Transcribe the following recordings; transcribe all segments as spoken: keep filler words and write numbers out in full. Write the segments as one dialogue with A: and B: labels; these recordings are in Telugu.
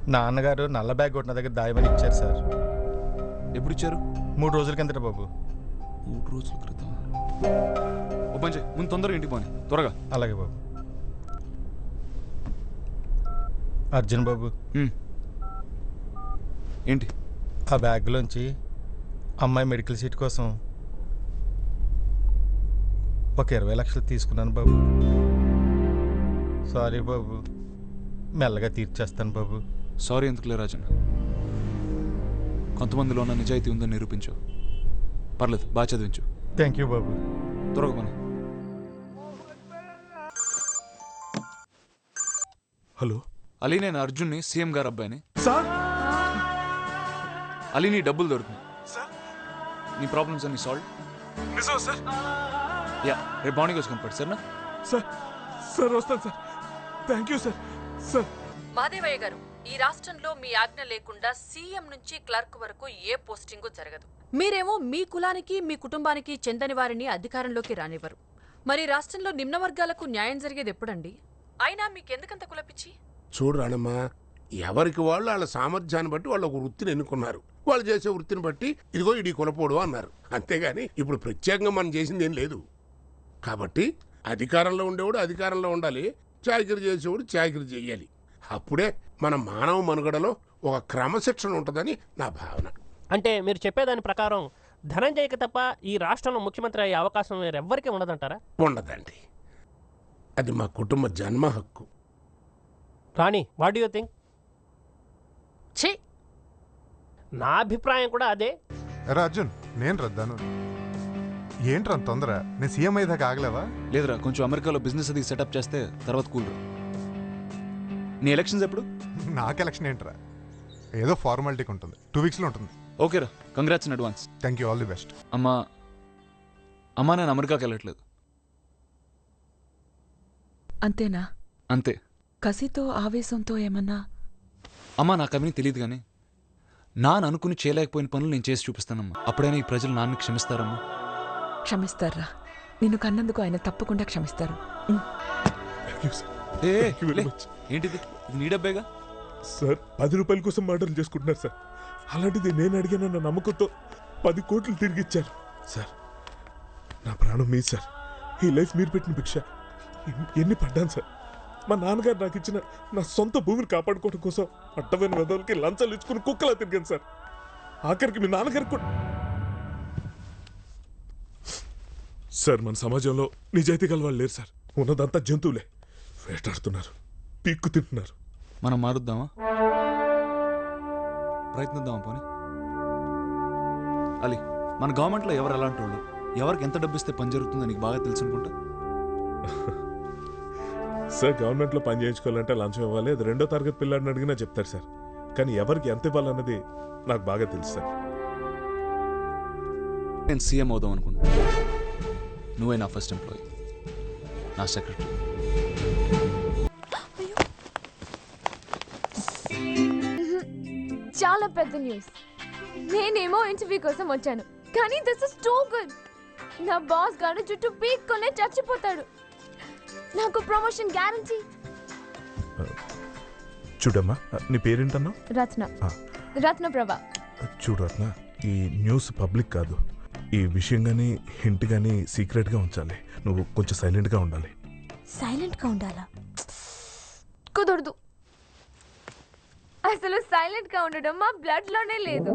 A: నాన్నగారు నల్ల బ్యాగ్ కొట్టిన దగ్గర దాయమని ఇచ్చారు సార్.
B: ఎప్పుడు ఇచ్చారు?
A: మూడు రోజుల కిందట బాబు.
B: మూడు రోజుల క్రితం. ఓ పని చేయి, ముందు తొందరగా ఇంటికి పోనీ, త్వరగా.
A: అలాగే బాబు. అర్జున్ బాబు,
B: ఏంటి?
A: ఆ బ్యాగ్లోంచి అమ్మాయి మెడికల్ సీట్ కోసం ఒక ఇరవై లక్షలు తీసుకున్నాను బాబు. సారీ బాబు, మెల్లగా తీర్చేస్తాను బాబు.
B: సారీ ఎందుకులే రాజన్, కొంతమందిలో ఉన్న నిజాయితీ ఉందని నిరూపించు. పర్లేదు, బాగా చదివించు.
A: థ్యాంక్ యూ బాబు.
B: త్వరగా పని.
C: హలో
B: అలీ, నేను అర్జున్ని, సీఎం గారు అబ్బాయిని.
C: సార్
B: అలీ, నీ డబ్బులు దొరుకుతుంది.
C: సార్
B: నీ ప్రాబ్లమ్స్ అన్ని సాల్వ్.
C: నిజం సార్?
B: యా, రేపు మార్నింగ్ వచ్చి కనపడు సరేనా?
C: సార్ సార్ వస్తాను sir. Thank you sir. Sir
D: Madevayya గారు, ఈ రాష్ట్రంలో మీ ఆజ్ఞ లేకుండా సీఎం నుంచి క్లర్క్ వరకు ఏ పోస్టింగు జరగదు. మీరేమో మీ కులానికి మీ కుటుంబానికి చెందని వారిని అధికారంలోకి రానివ్వరు. మరి రాష్ట్రంలో నిమ్న వర్గాలకు న్యాయం జరిగేది ఎప్పుడండి? అయినా మీకెందుకంత కులపిచ్చి?
E: చూడు రాణమ్మా, ఎవరికి వాళ్ళు వాళ్ళ సామర్థ్యాన్ని బట్టి వాళ్ళు ఒక వృత్తిని ఎన్నుకున్నారు. వాళ్ళు చేసే వృత్తిని బట్టి ఇదిగో ఇడి కులపోడు అన్నారు. అంతేగాని ఇప్పుడు ప్రత్యేకంగా మనం చేసింది ఏం లేదు. కాబట్టి అధికారంలో ఉండేవాడు అధికారంలో ఉండాలి, చాకిరి చేసేవాడు చాకిరి చేయాలి. అప్పుడే మన మానవ మనుగడలో ఒక క్రమశిక్షణ ఉంటుందని నా భావన.
F: అంటే మీరు చెప్పేదాని ప్రకారం ధనంజయ్కి తప్ప ఈ రాష్ట్రంలో ముఖ్యమంత్రి అయ్యే అవకాశం వేరెవ్వరికీ ఉండదంటారా?
E: ఉండదండి, అది మా కుటుంబ జన్మ హక్కు.
F: Rani, what you think?
D: ఛీ,
F: నా అభిప్రాయం కూడా అదే.
G: అరే అర్జున్, నేను రద్దాను. ఏంట్రా తొందర? నేను సీఎం అయ్యేదాకా ఆగలేవా?
B: లేదురా, కొంచెం అమెరికాలో బిజినెస్ అది సెటప్ చేస్తే తర్వాత కూల్. నీ ఎలక్షన్స్ ఎప్పుడు?
G: నాకు ఎలక్షన్ ఏంట్రా, ఏదో ఫార్మాలిటీకి ఉంటుంది, టూ వీక్స్లో ఉంటుంది.
B: ఓకేరా, congrats in advance.
G: Thank you, all the best.
B: అమ్మా అమ్మా నేను అమెరికాకి వెళ్ళట్లేదు.
H: అంతేనా?
B: అంతే.
H: కసితో ఆవేశంతో ఏమన్నా?
B: అమ్మా నాకు అవన్నీ తెలియదు, కానీ నాన్న అనుకుని చేయలేకపోయిన పనులు నేను చేసి చూపిస్తానమ్మా. అప్పుడైనా ఈ ప్రజలు నాన్నని క్షమిస్తారమ్మా?
H: క్షమిస్తారా? నిన్ను కన్నందుకు ఆయన తప్పకుండా క్షమిస్తారు.
B: ఏ ఏంటిది, నీ డబ్బేగా.
C: సార్ పది రూపాయల కోసం మర్డర్లు చేసుకుంటున్నారు సార్. అలాంటిది నేను అడిగానన్న నమ్మకంతో పది కోట్లు తిరిగి ఇచ్చారు సార్. నా ప్రాణం మీ సార్. ఈ లైఫ్ మీరు పెట్టిన భిక్ష. ఎన్ని పడ్డాను సార్. మా నాన్నగారు నాకు ఇచ్చిన నా సొంత భూమిని కాపాడుకోవడం కోసం అడ్డమైన వెదవులకి లంచాలు ఇచ్చుకుని కుక్కలా తిరిగాను సార్. ఆఖరికి మీ నాన్నగారికి కూడా. సార్ మన సమాజంలో నిజాయితీ గల వాళ్ళు లేరు సార్. ఉన్నదంతా జంతువులే, వేటాడుతున్నారు, పీక్కు తింటున్నారు.
B: మనం మారుద్దామా? ప్రయత్నిద్దామా పోనీ? అలీ, మన గవర్నమెంట్లో ఎవరు ఎలాంటి వాళ్ళు, ఎవరికి ఎంత డబ్బు ఇస్తే పని జరుగుతుందో నీకు బాగా తెలుసు అనుకుంటా.
C: సార్ గవర్నమెంట్లో పని చేయించుకోవాలంటే లంచం ఇవ్వాలి, అది రెండో తరగతి పిల్లాడిని అడిగినా చెప్తారు సార్. కానీ ఎవరికి ఎంత ఇవ్వాలన్నది నాకు బాగా తెలుసు సార్.
B: నేను సీఎం అవుదాం అనుకుంటా. నువ్వే నా ఫస్ట్ ఎంప్లాయీ, నా సెక్రటరీ.
I: చాలా పెద్ద న్యూస్. నేనేమో ఇంటర్వ్యూ కోసం వచ్చాను, కానీ దిస్ ఇస్ టూ గుడ్. నా బాస్ గారు జుట్టు పీక్కొనే చచ్చిపోతాడు. నాకు ప్రమోషన్ గ్యారంటీ.
C: చూడమ్మా, నీ పేరేంటన్నా?
I: రత్న. రత్న ప్రభా.
C: చూడు రత్న, ఈ న్యూస్ పబ్లిక్ కాదు. ఈ విషయం కానీ హింట్ కానీ సీక్రెట్గా ఉంచాలి. నువ్వు కొంచెం సైలెంట్గా ఉండాలి.
I: సైలెంట్గా ఉండాలా? కుదరదు. అసలు సైలెంట్గా ఉండడం మా బ్లడ్లోనే లేదు.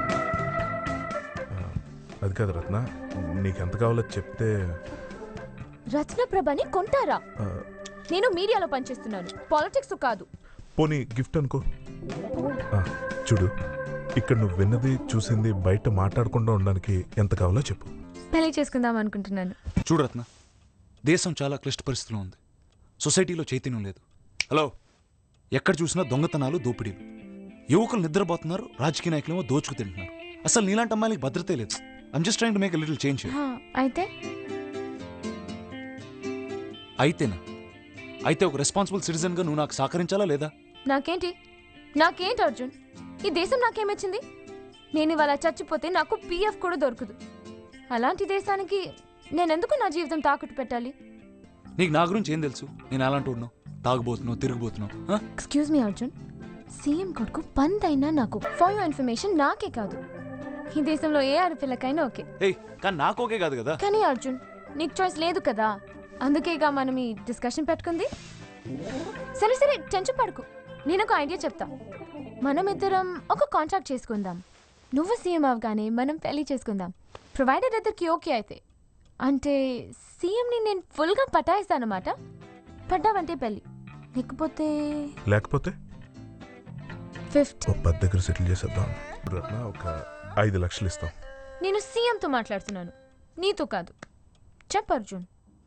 C: అది కాదు రత్న, నీకెంత కావాలో చెప్తే.
I: రత్న ప్రభని కొంటారా? నేను మీడియాలో పనిచేస్తున్నాను, పాలిటిక్స్ కాదు.
C: పోనీ గిఫ్ట్ అనుకో. చూడు, ఇక్కడ నువ్వు విన్నది చూసింది బయట మాట్లాడకుండా ఉండడానికి ఎంత కావాలో చెప్పు.
I: పెళ్లి చేసుకుందాం అనుకుంటున్నాను.
B: చూడు రత్న, దేశం చాలా క్లిష్ట పరిస్థితిలో ఉంది. సొసైటీలో చైతన్యం లేదు. హలో, ఎక్కడ చూసినా దొంగతనాలు, దోపిడీలు. యువకులు నిద్రపోతున్నారు, రాజకీయ నాయకులేమో దోచుకు తింటున్నారు. అసలు నీలాంటి అమ్మాయిలకి భద్రతే లేదు. I'm just trying to make a little change.
I: అయితే
B: అయితేనా? అయితే ఒక రెస్పాన్సిబుల్ సిటిజన్గా నువ్వు నాకు సహకరించాలా లేదా?
I: నాకేంటి నాకేంటి అర్జున్, ఈ దేశం నాకేమిచ్చింది? నేను ఇవాళ చచ్చిపోతే నాకు పీఎఫ్ కూడా దొరకదు. అలాంటి దేశానికి నేనెందుకు నా జీవితం తాకట్టు పెట్టాలి?
B: నీకు నా గురించి ఏం తెలుసు? నేను అలాంటి ఉన్నావు, తాగుబోతున్నావు, తిరిగిపోతున్నావు.
I: ఎక్స్క్యూజ్ మీ అర్జున్, సీఎం కొడుకు పందైనా నాకు. ఫర్ యువర్ ఇన్ఫర్మేషన్ నాకే కాదు, ఈ దేశంలో ఏ ఆడపిల్లకైనా ఓకే.
B: ఏయ్ కానీ నాకు ఓకే కాదు కదా.
I: కానీ అర్జున్ నీకు చాయిస్ లేదు కదా, అందుకేగా మనం ఈ డిస్కషన్ పెట్టుకుంది. సరే సరే టెన్షన్ పడుకు, నేను ఒక ఐడియా చెప్తా. మనం ఇద్దరం ఒక కాంట్రాక్ట్ చేసుకుందాం. నువ్వు సీఎం అవగానే మనం పెళ్లి చేసుకుందాం, ప్రొవైడర్ ఇద్దరికి ఓకే అయితే. అంటే సీఎంని నేను ఫుల్గా పటాయిస్తానమాట. పడ్డావంటే పెళ్ళి, లేకపోతే
C: లేకపోతే
I: ఫిఫ్త్.
C: ఓ పది దగ్గర సెటిల్ చేసేద్దాం. రత్న ఒక ఐదు లక్షలు ఇస్తాం.
I: నేను సీఎంతో మాట్లాడుతున్నాను, నీతో కాదు. చెప్పు అర్జున్.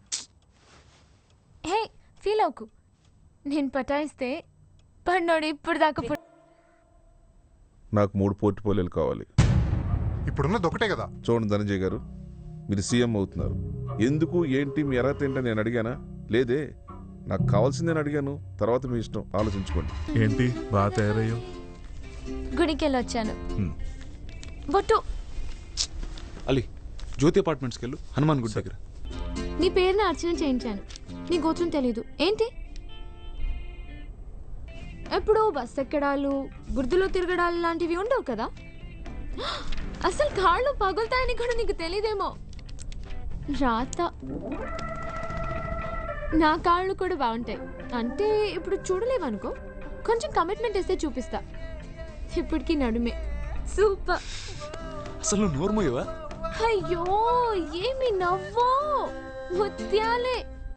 I: హే ఫీల్ అవుకు, నేను పటాయిస్తే పన్నోడు ఇప్పుడు దాకా పుట్-
J: నాకు మూడు పోర్ట్ఫోలియోలు కావాలి.
G: ఇప్పుడున్నది ఒకటే కదా.
J: చూడండి ధనంజయ్ గారు, మీరు సీఎం అవుతున్నారు. ఎందుకు ఏంటి మీ ఎర్రత ఏంటని నేను అడిగానా? లేదే, నాకు కావాల్సిందని అడిగాను. తర్వాత మీ ఇష్టం, ఆలోచించుకోండి.
C: ఏంటి బాగా తయారయ్యావు?
I: గుడికి వెళ్ళి వచ్చాను.
C: హ్మ్.
I: బొట్టు
B: అలీ జ్యోతి అపార్ట్మెంట్స్కి వెళ్ళు, హనుమాన్ గుడి దగ్గర.
I: నీ పేరుని అర్చన చేయించాను, నీ గోత్రం తెలీదు ఏంటి? ఎప్పుడో బస్ ఎక్కడాలు, బురదలో తిరగడాలు లాంటివి ఉండవు కదా. అసలు కాళ్ళు పగులుతాయని కూడా నీకు తెలీదేమో. రాత నా కాళ్ళు కూడా బాగుంటాయి. అంటే ఇప్పుడు చూడలేవనుకో, కొంచెం కమిట్మెంట్ వేస్తే చూపిస్తా. ఇప్పటికీ నడుమే సూపర్.
B: అసలు నువ్వు నోర్మోయవా?
I: అయ్యో ఏమి నవ్వో, ముత్యాలే.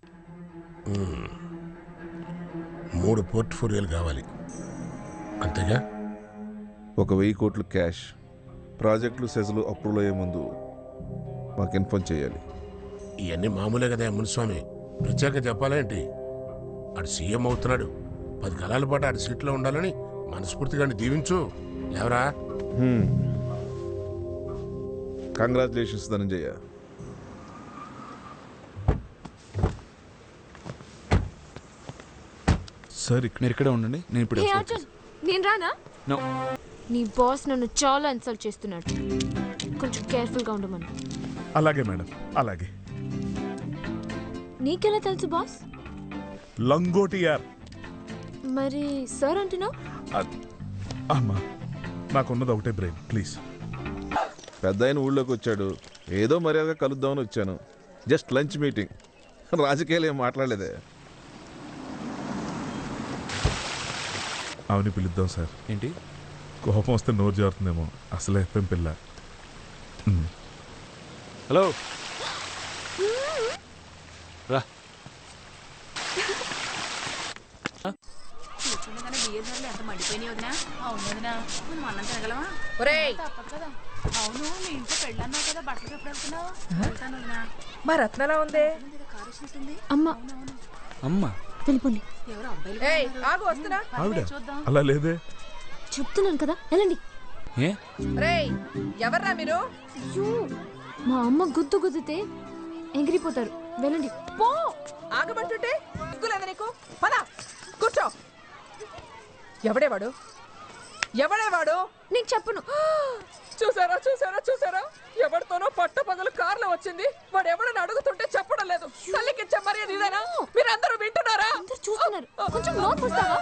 E: మూడు పోర్ట్ఫోలియోలు కావాలి అంతేగా?
J: ఒక వెయ్యి కోట్లు క్యాష్, ప్రాజెక్టులు సెజలు అప్రూవల్ అయ్యే ముందు మాకు ఇన్ఫార్మ్ చేయాలి.
E: ఇవన్నీ మామూలే కదా మునిస్వామి, ప్రత్యేక చెప్పాలేంటి? ఆడు సీఎం అవుతున్నాడు, పది కాలాల పాటు ఆడి సీట్లో ఉండాలని మనస్ఫూర్తిగా దీవించు. లేవరా?
J: కంగ్రాచులేషన్స్ ధనంజయ.
C: సార్
B: మీరు ఇక్కడే ఉండండి, నేను ఇప్పుడు
I: హే అర్జున్, నేను రానా?
B: నో.
I: నీ బాస్ నన్ను చాలా ఇన్సల్ట్ చేస్తున్నాడు, కొంచెం కేర్ఫుల్గా ఉండమను.
C: అలాగే మేడం, అలాగే.
I: నీకెలా తెలుసు బాస్?
C: లంగోటి యార్.
I: మరి సార్ అంటున్నావు?
C: అద్- అమ్మా నాకున్నది ఒకటే బ్రెయిన్, ప్లీజ్.
J: పెద్ద ఆయన ఊళ్ళోకి వచ్చాడు, ఏదో మర్యాదగా కలుద్దామని వచ్చాను. జస్ట్ లంచ్ మీటింగ్, రాజకీయాలు ఏం మాట్లాడలేదే.
C: అవని పిలుద్దాం సార్.
B: ఏంటి?
C: కోపం వస్తే నోరు జారుతుందేమో, అసలే పెంపిల్ల. మ్.
B: హలో రా.
H: మా రత్నలా ఉందే.
I: అమ్మ
B: అమ్మా
I: వెళ్ళిపోండి.
H: ఏయ్ ఆగు, వస్తున్నా.
C: ఆవిడ అలా లేదే.
I: చెప్తున్నాను కదా వెళ్ళండి.
B: ఏ
H: రేయ్ ఎవర్రా మీరు?
I: అయ్యో, మా అమ్మ గుద్దు గుద్దితే ఎగిరిపోతారు, వెళ్ళండి.
H: పో, ఆగమంటుంటే సిగ్గులేదా నీకు? పద కూర్చో. ఎవడేవాడు? ఎవడేవాడు?
I: నీకు చెప్పను.
H: చూసారా చూసారా చూసారా, ఎవరితోనో పట్ట పగలు కార్లో వచ్చింది. వాడు ఎవడని అడుగుతుంటే చెప్పడం లేదు. తల్లికిచ్చే మర్యాద ఇదేనా? మీరందరూ వింటున్నారా?
I: అందరూ చూస్తున్నారు, కొంచెం నోట్ పుస్తావా?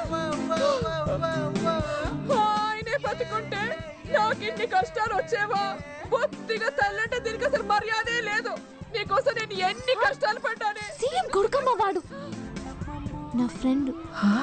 H: ఆయనే బతికుంటే నాకు ఇన్ని కష్టాలు వచ్చేవా? బొత్తిగా తల్లంటే దీనికి అసలు మర్యాదే లేదు. నీకోసం నేను ఎన్ని కష్టాలు పడ్డానే.
I: సీఎం కొడుకమ్మ వాడు, నా ఫ్రెండ్.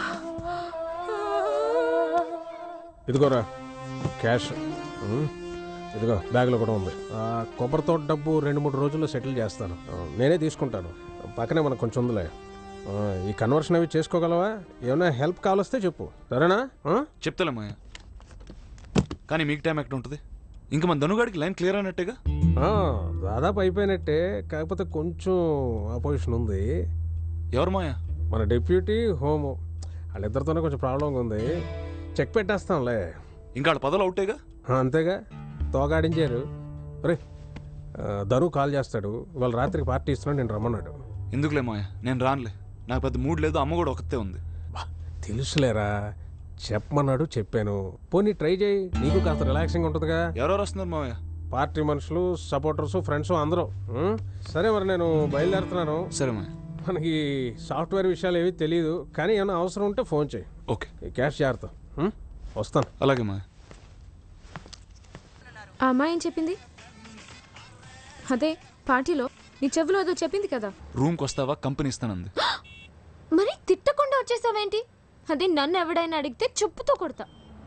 F: ఇదిగోరా క్యాష్, ఇదిగో బ్యాగ్లో కూడా ఉంది. కొబ్బరితో డబ్బు రెండు మూడు రోజుల్లో సెటిల్ చేస్తాను, నేనే తీసుకుంటాను. పక్కనే మనకు కొంచెం ఉందిలే. ఈ కన్వర్షన్ అవి చేసుకోగలవా? ఏమైనా హెల్ప్ కావాలొస్తే చెప్పు, సరేనా?
B: చెప్తాలేమయ్య, కానీ మీకు టైం ఎక్కడ ఉంటుంది? ఇంకా మన ధనుగాడికి లైన్ క్లియర్ అయినట్టేగా?
F: దాదాపు అయిపోయినట్టే, కాకపోతే కొంచెం అపోజిషన్ ఉంది.
B: ఎవరు మాయా?
F: మన డిప్యూటీ హోమ్, వాళ్ళిద్దరితోనే కొంచెం ప్రాబ్లంగా ఉంది. చెక్ పెట్టేస్తాంలే.
B: ఇంకా వాళ్ళ పదవులు అవుటేగా?
F: అంతేగా, తోగాడించారు. రే ధను కాల్ చేస్తాడు, ఇవాళ రాత్రికి పార్టీ ఇస్తున్నాడు, నేను రమ్మన్నాడు.
B: ఎందుకులే మాయా, నేను రానులే, నాకు పెద్ద మూడ్ లేదు. అమ్మ కూడా ఒకతే ఉంది.
F: తెలుసులేరా, చెప్పమన్నాడు, చెప్పాను. పోనీ ట్రై చేయి, నీకు కాస్త రిలాక్సింగ్ ఉంటుందిగా.
B: ఎవరెవరు వస్తున్నారు మావయ్య?
F: పార్టీ మనుషులు, సపోర్టర్స్, ఫ్రెండ్స్ అందరూ. ఉం? సరే మరి నేను బయలుదేరుతున్నాను.
B: సరే మాయా.
F: మనకి సాఫ్ట్వేర్ విషయాలు ఏవి తెలియదు, కానీ ఏమైనా అవసరం ఉంటే ఫోన్ చేయి.
B: ఓకే.
F: ఈ క్యాష్ జాగ్రత్త. ఉం? వస్తాను.
B: అలాగే మా
I: ఆ అమ్మాయి ఏం చెప్పింది? అదే పార్టీలో నీ చెవిలో ఏదో చెప్పింది కదా.
B: రూమ్కి వస్తావా, కంపెనీ ఇస్తానంది.
I: మరి తిట్టకుండా వచ్చేసావేంటి? అదే నన్ను ఎవడైనా అడిగితే చెప్పుతో కొడతా.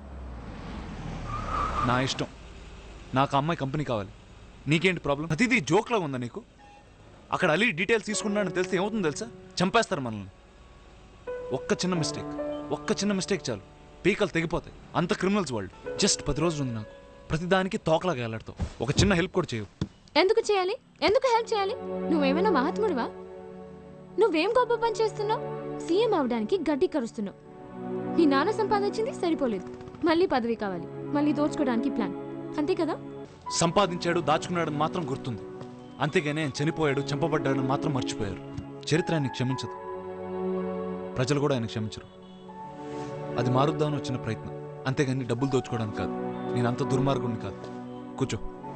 B: నా ఇష్టం. నాకు ఆ అమ్మాయి కంపెనీ కావాలి. నీకేంటి ప్రాబ్లం? ప్రతిదీ జోక్లా ఉందా నీకు? అక్కడ అలీ డీటెయిల్స్ తీసుకున్నాడని తెలిస్తే ఏమవుతుందో తెలుసా? చంపేస్తారు మనల్ని. ఒక్క చిన్న మిస్టేక్ ఒక్క చిన్న మిస్టేక్ చాలు, పీకలు తెగిపోతాయి. అంత క్రిమినల్స్ వాళ్ళు. జస్ట్ పది రోజులు ఉంది నాకు. ప్రతిదానికి తోకలాగా వెళ్ళాడుతావు. ఒక చిన్న హెల్ప్ కూడా చేయవు.
I: ఎందుకు చేయాలి? ఎందుకు హెల్ప్ చేయాలి? నువ్వేమైనా మహాత్ముడివా? నువ్వేం గొప్ప పని చేస్తున్నావు? సీఎం అవడానికి గడ్డి కరుస్తున్నావు. నీ నాన్న సంపాదించింది సరిపోలేదు, మళ్ళీ పదవి కావాలి, మళ్ళీ దోచుకోవడానికి ప్లాన్, అంతే కదా?
B: సంపాదించాడు, దాచుకున్నాడని మాత్రం గుర్తుంది. అంతేగానే ఆయన చనిపోయాడు, చంపబడ్డాడని మాత్రం మర్చిపోయారు. చరిత్ర ఆయన్ని క్షమించదు, ప్రజలు కూడా ఆయన క్షమించరు. అది మారుద్దామని వచ్చిన ప్రయత్నం, అంతేగాని డబ్బులు దోచుకోవడానికి కాదు. నేను అంత దుర్మార్గుడిని కాదు. కూర్చో.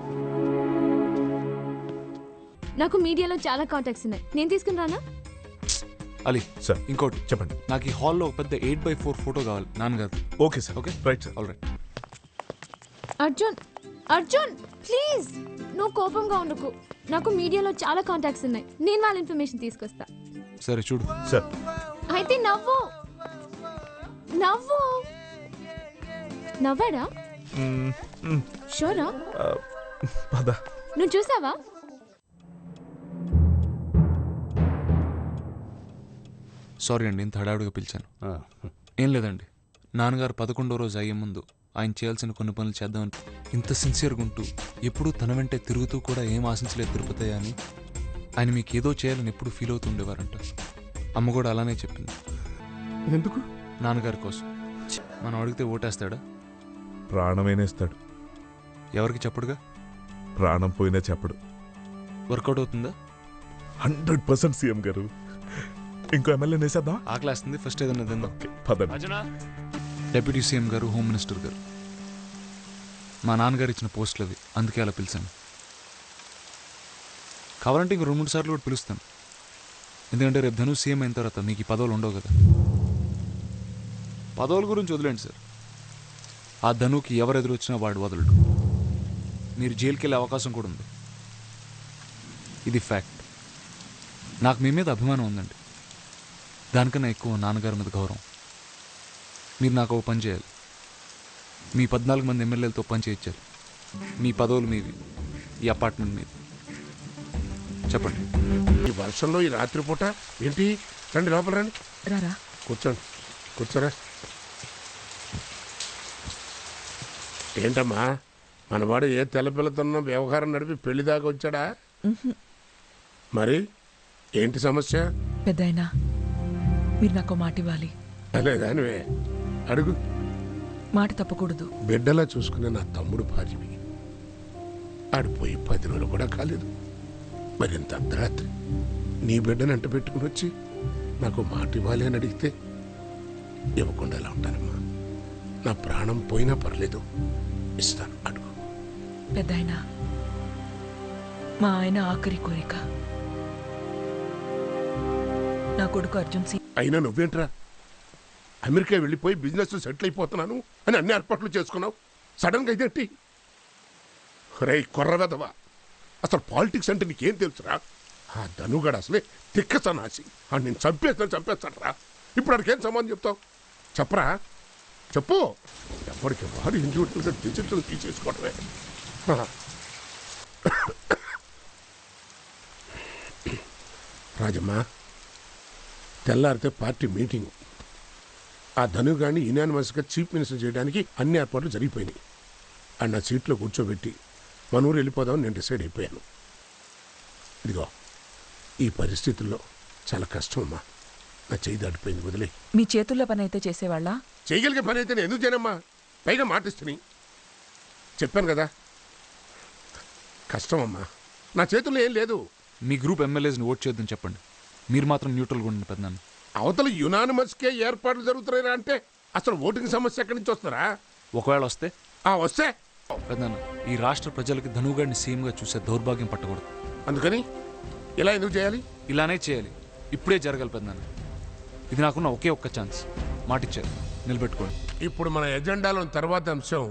I: నాకు మీడియాలో చాలా కాంటాక్ట్స్ ఉన్నాయి, నేను తీసుకుని రానా?
B: అలీ
C: సార్
B: ఇంకోటి
C: చెప్పండి.
B: నాకు ఈ హాల్లో పెద్ద ఎయిట్ బై ఫోర్ ఫోటో కావాలి నాన్నగారు.
C: Okay sir.
B: Okay
C: right sir.
B: All right.
I: Arjun Arjun please, నువ్వు కోపంగా ఉండకు. నాకు మీడియాలో చాలా కాంటాక్ట్స్ ఉన్నాయి, నేను వాళ్ళ ఇన్ఫర్మేషన్ తీసుకొస్తా.
B: సరే చూడు.
C: సార్
I: అయితే నవ్వు నవ్వు నవ్వాడా?
C: మ్మ్, మ్మ్,
I: షోరా?
C: ఆ, పద.
I: నువ్వు చూసావా?
B: సారీ అండి, ఇంత హడావుడిగా పిలిచాను. ఏం లేదండి, నాన్నగారు పదకొండో రోజు అయ్యే ముందు ఆయన చేయాల్సిన కొన్ని పనులు చేద్దామని ఇంత సిన్సియర్గా ఉంటూ ఎప్పుడూ తన వెంటే తిరుగుతూ కూడా ఏం ఆశించలేదు తిరుపతి అని. ఆయన మీకు ఏదో చేయాలని ఎప్పుడు ఫీల్ అవుతూ ఉండేవారంట. అమ్మ కూడా అలానే చెప్పింది.
C: ఎందుకు?
B: నాన్నగారి కోసం. మనం అడిగితే ఓటేస్తాడా?
C: ప్రాణమేనేస్తాడు.
B: ఎవరికి చెప్పడుగా?
C: ప్రాణం పోయినా చెప్పడు.
B: వర్కౌట్ అవుతుందా?
C: హండ్రెడ్ పర్సెంట్ సీఎం గారు. ఇంకో ఎమ్మెల్యే నేసేద్దాం.
B: ఆకలేస్తుంది, ఫస్ట్ ఏదన్నా తిందాం.
C: పదండి.
B: డెప్యూటీ సీఎం గారు, హోమ్ మినిస్టర్ గారు, మా నాన్నగారు ఇచ్చిన పోస్టులు అవి, అందుకే అలా పిలిచాను. కావాలంటే ఇంకో రెండు మూడు సార్లు కూడా పిలుస్తాను. ఎందుకంటే రేపు ధను సీఎం అయిన తర్వాత మీకు ఈ పదవులు ఉండవు కదా. పదవుల గురించి వదిలేండి సార్. ఆ ధనుకి ఎవరు ఎదురు వచ్చినా వాడు వదలడు. మీరు జైలుకి వెళ్ళే అవకాశం కూడా ఉంది. ఇది ఫ్యాక్ట్. నాకు మీ మీద అభిమానం ఉందండి, దానికన్నా ఎక్కువ నాన్నగారి మీద గౌరవం. మీరు నాకు ఒక పని చేయాలి. మీ పద్నాలుగు మంది ఎమ్మెల్యేలతో పని చేయించాలి. మీ పదవులు మీవి, ఈ అపార్ట్మెంట్ మీది. చెప్పండి.
E: ఈ వర్షంలో ఈ రాత్రిపూట ఏంటి? రండి లోపల రండి.
H: రారా
E: కూర్చోండి. కూర్చోరా. ఏంటమ్మా మనవాడు ఏ తెల్లపిల్లతోనో వ్యవహారం నడిపి పెళ్లి దాకా వచ్చాడా? మరి ఏంటి సమస్య?
H: పెద్దాయనా, మీరు నాకు మాట ఇవ్వాలి.
E: అనేదానివే అడుగు.
H: మాట తప్పకూడదు.
E: బిడ్డలా చూసుకునే నా తమ్ముడు భార్యవి. ఆడిపోయి పది రోజులు కూడా కాలేదు. మరింత అర్ధరాత్రి నీ బిడ్డను అంట పెట్టుకుని వచ్చి నాకు మాట ఇవ్వాలి అని అడిగితే ఇవ్వకుండా ఎలా ఉంటానమ్మా? నా ప్రాణం పోయినా పర్లేదు, ఇస్తాను. అడుగు.
H: పెద్దాయనా, మా ఆయన ఆఖరి కోరిక నా కొడుకు అర్జున్ సి
E: అయినా నువ్వేంట్రా అమెరికా వెళ్ళిపోయి బిజినెస్ సెటిల్ అయిపోతున్నాను అని అన్ని ఏర్పాట్లు చేసుకున్నావు. సడన్గా ఇదేంటి? రే కొర్రవెదవా, అసలు పాలిటిక్స్ అంటే నీకేం తెలుసురా? ఆ ధనుగాడు అసలే తిక్క సన్నాసి. ఆ నేను చంపేస్తాను చంపేస్తాను రా. ఇప్పుడు అడికేం సమాధానం చెప్తావు? చెప్పరా, చెప్పు. ఎప్పటికి వాడు ఇండివిజువల్గా డిజిటల్ తీసేసుకోవడమే. రాజమ్మా, తెల్లారితే పార్టీ మీటింగ్. ఆ ధనుగాడిని యునానిమస్గా చీఫ్ మినిస్టర్ చేయడానికి అన్ని ఏర్పాట్లు జరిగిపోయినాయి. ఆ నా సీట్లో కూర్చోబెట్టి మన ఊరు వెళ్ళిపోదామని నేను డిసైడ్ అయిపోయాను. ఇదిగో ఈ పరిస్థితుల్లో చాలా కష్టం అమ్మా. నా చేయి దాటిపోయింది, వదిలే.
H: మీ చేతుల్లో పని అయితే చేసేవాళ్ళ?
E: చేయగలిగే పని అయితే నేను ఎందుకు చేయనమ్మా? పైగా మాటిస్తుని చెప్పాను కదా, కష్టం అమ్మా. నా చేతుల్లో ఏం లేదు.
B: మీ గ్రూప్ ఎమ్మెల్యేస్ని ఓట్ చేద్దని చెప్పండి. మీరు మాత్రం న్యూట్రల్గా ఉండండి పెద్దనాన్న.
E: అవతల యునానిమస్కే ఏర్పాట్లు జరుగుతున్నాయిరా అంటే అసలు ఓటింగ్ సమస్య ఎక్కడి నుంచి వస్తారా?
B: ఒకవేళ వస్తే
E: ఆ వస్తే
B: పెద్దనాన్న, ఈ రాష్ట్ర ప్రజలకి ధనుగాడిని సీఎంగా చూసే దౌర్భాగ్యం పట్టకూడదు.
E: అందుకని ఇలా ఎందుకు చేయాలి?
B: ఇలానే చేయాలి. ఇప్పుడే జరగాలి పెద్దనాన్న. ఇది నాకున్న ఒకే ఒక్క ఛాన్స్. మాటిచ్చారు, నిలబెట్టుకోండి.
E: ఇప్పుడు మన ఎజెండాలో తర్వాత అంశం